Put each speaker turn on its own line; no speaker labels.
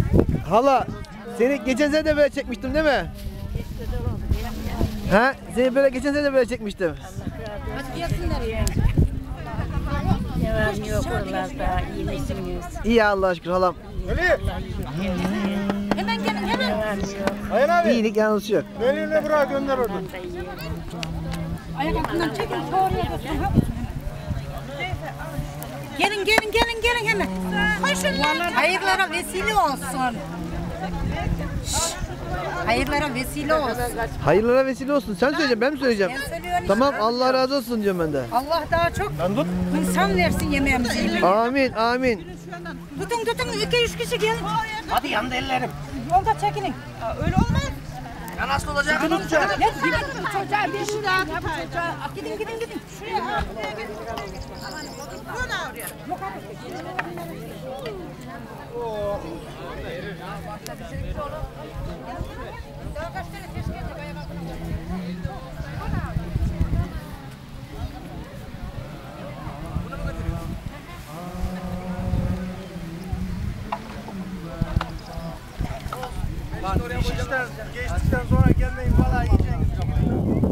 Hala seni geçen sene de böyle çekmiştim değil mi? Ha? Seni böyle geçen sene de böyle çekmiştim.
Hadi gelsinler ya. Ne var ne yok oralarda, iyi misiniz?
İyi Allah'a şükür halam.
Hemen gelin hemen.
Ayhan abi.
İyilik yalnız yok.
Benimle bırak gönder orada.
Ayak altından çekin. Gelin hemen. Koşun. Hayırlara vesile olsun. Hayırlara vesile olsun.
Hayırlara vesile olsun. Sen söyleyeceksin, ben mi söyleyeceğim?
Ben söylüyorum
Tamam,
işte.
Allah razı olsun diyorum ben de.
Allah daha çok insan versin yemeğimizi.
Amin, amin.
Tutun 2-3 kişi gelin.
Hadi yandı ellerim.
Yolda çekinin. Öyle olmaz.
Ya nasıl olacak?
Ne gidin çocuğa bir şey daha bu çocuğa. Gidin. Şuraya.
Geçtikten sonra gelmeyin falan yiyeceğiniz.